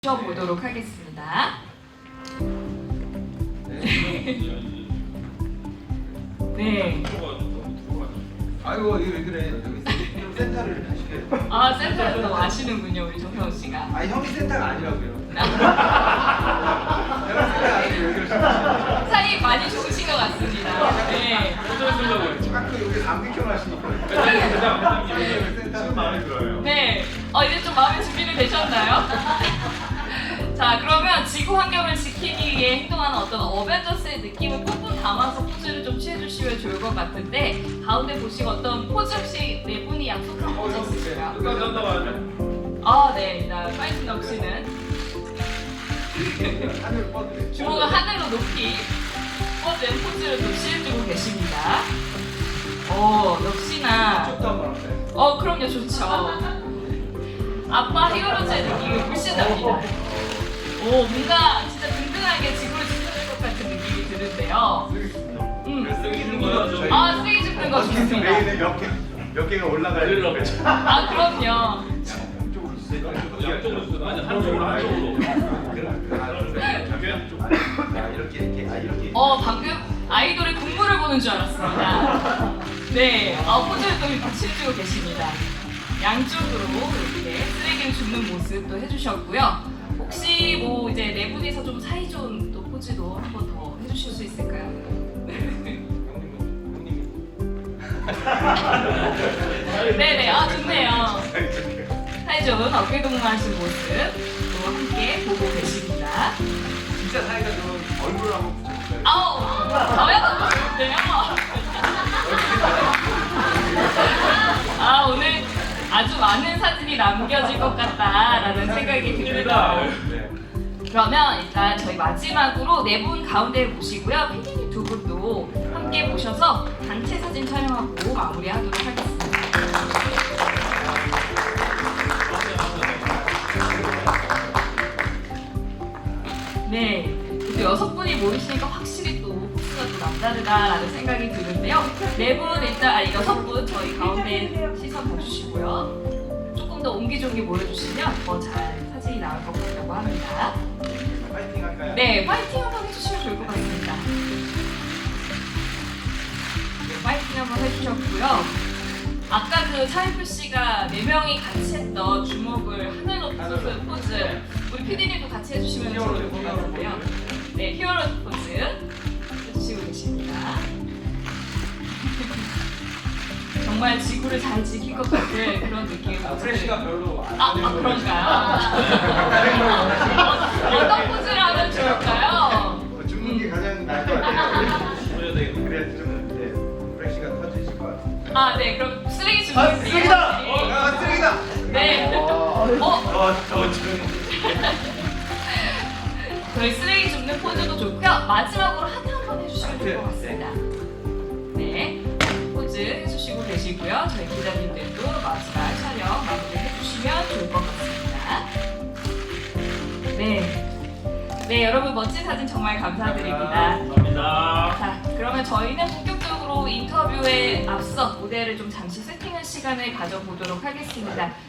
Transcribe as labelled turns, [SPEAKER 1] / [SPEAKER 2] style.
[SPEAKER 1] 보도록 하겠습니다. 네.
[SPEAKER 2] 아이고 이거 왜 그래? 여기 센터를 하시게.
[SPEAKER 1] 아, 센터를 또 아시는군요, 우리 정태호 씨가.
[SPEAKER 2] 아 형이 센터가 아니라고요. 내가 센터 아니고 왜 그러시는
[SPEAKER 1] 사이 많이 좋으신 것 같습니다. 네.
[SPEAKER 2] 자꾸 여기 감기경 하시니까. 센터 마음에 들어요.
[SPEAKER 1] 네. 이제 좀 마음의 준비는 되셨나요? 자, 그러면 지구 환경을 지키기 위해 행동하는 어떤 어벤져스의 느낌을 뿜뿜 담아서 포즈를 좀 취해주시면 좋을 것 같은데, 가운데 보시고 어떤 포즈 혹시 네 분이 약속한 포즈 있으실까요? 아, 네. 일단 파이팅 넘치는
[SPEAKER 2] 하늘 뻗으래.
[SPEAKER 1] 주먹을 하늘로 높이 뻗은 포즈를 또 취해주고 계십니다. 역시나.
[SPEAKER 2] 쪽도 한번 하세요.
[SPEAKER 1] 그럼요, 좋죠. 아빠 히어로즈의 느낌이 훨씬 납니다. 뭔가 진짜 든든하게 지구를 지켜줄 것 같은 느낌이 드는데요.
[SPEAKER 2] 쓰기 있는 거요?
[SPEAKER 1] 쓰레기 줍는 거 좋습니다.
[SPEAKER 2] 메인에 몇 개가 올라가야 되는 거죠.
[SPEAKER 1] 그럼요.
[SPEAKER 2] 양쪽으로 쓰고 한쪽으로. 이렇게.
[SPEAKER 1] 방금 아이돌의 군무를 보는 줄 알았습니다. 네, 포즈를 또 이렇게 취해주고 계십니다. 양쪽으로 이렇게 쓰레기를 줍는 모습도 해주셨고요. 혹시 뭐 이제 네 분이서 좀 사이좋은 또 포즈도 한 번 더 해주실 수 있을까요? 네네, 좋네요. 사이좋은 어깨 동무하신 모습 또 함께 보고 계십니다.
[SPEAKER 2] 진짜 사이가 좋은 얼굴을 한번 붙여볼까요?
[SPEAKER 1] 저야도 좋은데요? 오늘 아주 많은 사진이 남겨질 것 같다라는 생각이 듭니다. 그러면 일단 저희 마지막으로 네 분 가운데 모시고요. 피디님 두 분도 함께 모셔서 단체 사진 촬영하고 마무리하도록 하겠습니다. 네, 또 여섯 분이 모이시니까 확실히 또 포스가 또 남다르다라는 생각이 드는데요. 네 분 일단 여섯 분 저희 가운데 시선 봐주시고요. 조금 더 옹기종기 모여주시면 더 잘 사진이 나올 것 같다고 합니다.
[SPEAKER 2] 파이팅 할까요?
[SPEAKER 1] 네, 파이팅 한번 해주시면 좋을 것 같습니다. 네, 파이팅 한번 해주셨고요. 아까 그 차인표 씨가 네 명이 같이 했던 주먹을 하늘로 쏘는 포즈, 우리 PD님도 같이 해주시면 좋을 것 같은데요. 네, 히어로 포즈 해주시고 계십니다. 정말 지구를 잘 지킬 것 같은 그런 느낌.
[SPEAKER 2] 프레시가 별로 안
[SPEAKER 1] 그런가요? 어떤 포즈를 하면 좋을까요?
[SPEAKER 2] 죽는 게 가장 나을 것 같아요. 그래야 좀 프레시가 터지실 것 같아요.
[SPEAKER 1] 네, 그럼 쓰레기 줍는
[SPEAKER 2] 쓰레기다! 쓰레기다!
[SPEAKER 1] 네.
[SPEAKER 2] 저
[SPEAKER 1] 저희 쓰레기 줍는 포즈도 좋고요. 마지막으로 하트 한번 해주시면 될 것 같습니다. 네, 포즈 해주시고 계시고요. 저희 기자님들도 마지막 촬영 마무리 해주시면 좋을 것 같습니다. 네, 여러분 멋진 사진 정말 감사드립니다.
[SPEAKER 3] 감사합니다.
[SPEAKER 1] 자, 그러면 저희는 본격적으로 인터뷰에 앞서 무대를 좀 잠시 세팅할 시간을 가져보도록 하겠습니다.